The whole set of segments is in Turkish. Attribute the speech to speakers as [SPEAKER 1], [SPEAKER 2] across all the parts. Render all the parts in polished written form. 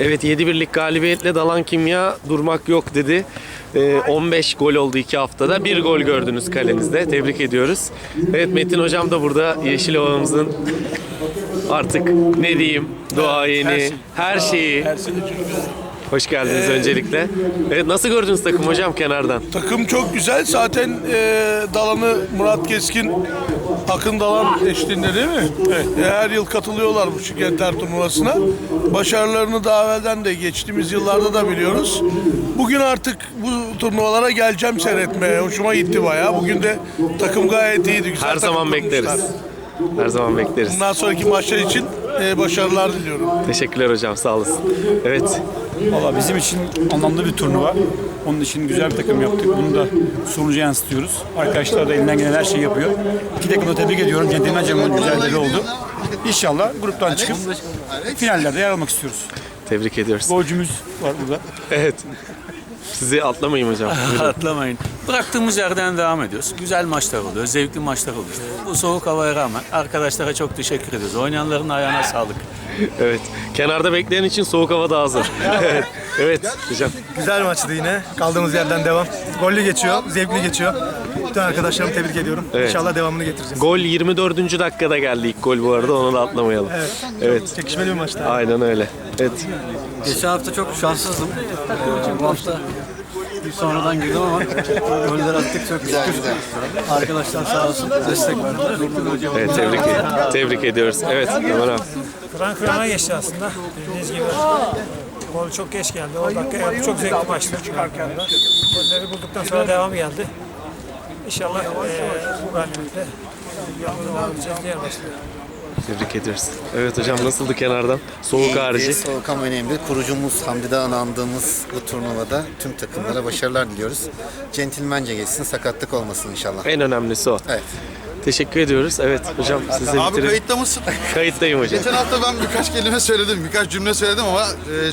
[SPEAKER 1] Evet, 7-1'lik galibiyetle Dalan Kimya durmak yok dedi. 15 gol oldu 2 haftada. 1 gol gördünüz kalenizde. Tebrik ediyoruz. Evet, Metin Hocam da burada Yeşilova'mızın artık ne diyeyim, duayeni, her şeyi. Hoş geldiniz öncelikle. Evet, nasıl gördünüz takım hocam kenardan?
[SPEAKER 2] Takım çok güzel. Zaten Dalan'ı Murat Keskin, Akın Dalan eşliğinde değil mi? Evet. Her yıl katılıyorlar bu Şikenter turnuvasına. Başarılarını daha evvelden de geçtiğimiz yıllarda da biliyoruz. Bugün artık bu turnuvalara geleceğim seyretmeye. Hoşuma gitti bayağı. Bugün de takım gayet iyiydi. Güzel
[SPEAKER 1] Her zaman
[SPEAKER 2] takım
[SPEAKER 1] bekleriz.
[SPEAKER 2] kurmuşlar.
[SPEAKER 1] Her zaman bekleriz.
[SPEAKER 2] Bundan sonraki maçlar için başarılar diliyorum.
[SPEAKER 1] Teşekkürler hocam, sağ olasın. Evet,
[SPEAKER 3] Valla bizim için anlamlı bir turnuva. Onun için güzel bir takım yaptık. Bunu da sonuca yansıtıyoruz. Arkadaşlar da elinden gelen her şeyi yapıyor. İki takımı da tebrik ediyorum. Centilmence güzelleri oldu. İnşallah gruptan çıkıp finallerde yer almak istiyoruz.
[SPEAKER 1] tebrik ediyoruz.
[SPEAKER 3] Golcümüz var burada.
[SPEAKER 1] Evet. Sizi atlamayayım hocam. Buyurun.
[SPEAKER 4] Atlamayın. Bıraktığımız yerden devam ediyoruz. Güzel maçlar oluyor, zevkli maçlar oluyor. Bu soğuk havaya rağmen arkadaşlara çok teşekkür ediyoruz. Oynayanların ayağına sağlık.
[SPEAKER 1] Evet. Kenarda bekleyen için soğuk hava daha hazır. Evet. Evet hocam.
[SPEAKER 5] Güzel maçtı yine. Kaldığımız yerden devam. Gollü geçiyor, zevkli geçiyor. Bütün arkadaşlarımı tebrik ediyorum.
[SPEAKER 1] Evet.
[SPEAKER 5] İnşallah devamını getireceğiz.
[SPEAKER 1] Gol 24. dakikada geldi ilk gol bu arada, onu da atlamayalım.
[SPEAKER 5] Evet.
[SPEAKER 1] Evet.
[SPEAKER 5] Çekişmeli bir maçtı.
[SPEAKER 1] Aynen öyle. Evet.
[SPEAKER 6] Geçen hafta çok şanssızdım. Bu hafta sonradan girdim ama goller attık çok şükür. Arkadaşlar sağ olsun destek verdiler.
[SPEAKER 1] Evet, tebrik ediyoruz. Evet. Aman abi.
[SPEAKER 7] Kıran kırana geçti aslında. Dediğiniz gibi. Gol çok geç geldi. O dakika çok zevkli maçtı. Golleri bulduktan sonra devam geldi. İnşallah bu galibiyetle devam edeceğiz diğer maçta.
[SPEAKER 1] Tebrik ediyoruz. Evet hocam, nasıldı kenardan? Soğuk harici.
[SPEAKER 8] Soğuk ama önemli. Kurucumuz Hamdi Dağ'ın andığımız bu turnuvada tüm takımlara başarılar diliyoruz. Centilmence geçsin, sakatlık olmasın inşallah.
[SPEAKER 1] En önemlisi o.
[SPEAKER 8] Evet.
[SPEAKER 1] Teşekkür ediyoruz. Evet hocam, size
[SPEAKER 9] Abi
[SPEAKER 1] bitirelim.
[SPEAKER 9] kayıtta mısın?
[SPEAKER 1] Kayıttayım hocam.
[SPEAKER 9] Geçen hafta ben birkaç kelime söyledim, birkaç cümle söyledim ama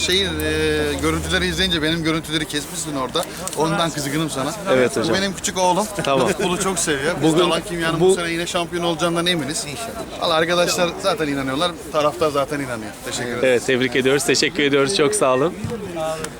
[SPEAKER 9] görüntüleri izleyince benim görüntüleri kesmişsin orada. Ondan kızgınım sana.
[SPEAKER 1] Evet hocam.
[SPEAKER 9] Bu benim küçük oğlum.
[SPEAKER 1] Tamam.
[SPEAKER 9] Futbolu çok seviyor. Biz
[SPEAKER 1] Bugün-
[SPEAKER 9] Dalan Kimya'nın bu sene yine şampiyon olacağından eminiz. İnşallah. Valla arkadaşlar zaten inanıyorlar, taraftar zaten inanıyor. Teşekkür ederim.
[SPEAKER 1] Evet, tebrik ediyoruz. Teşekkür ediyoruz. Çok sağ olun.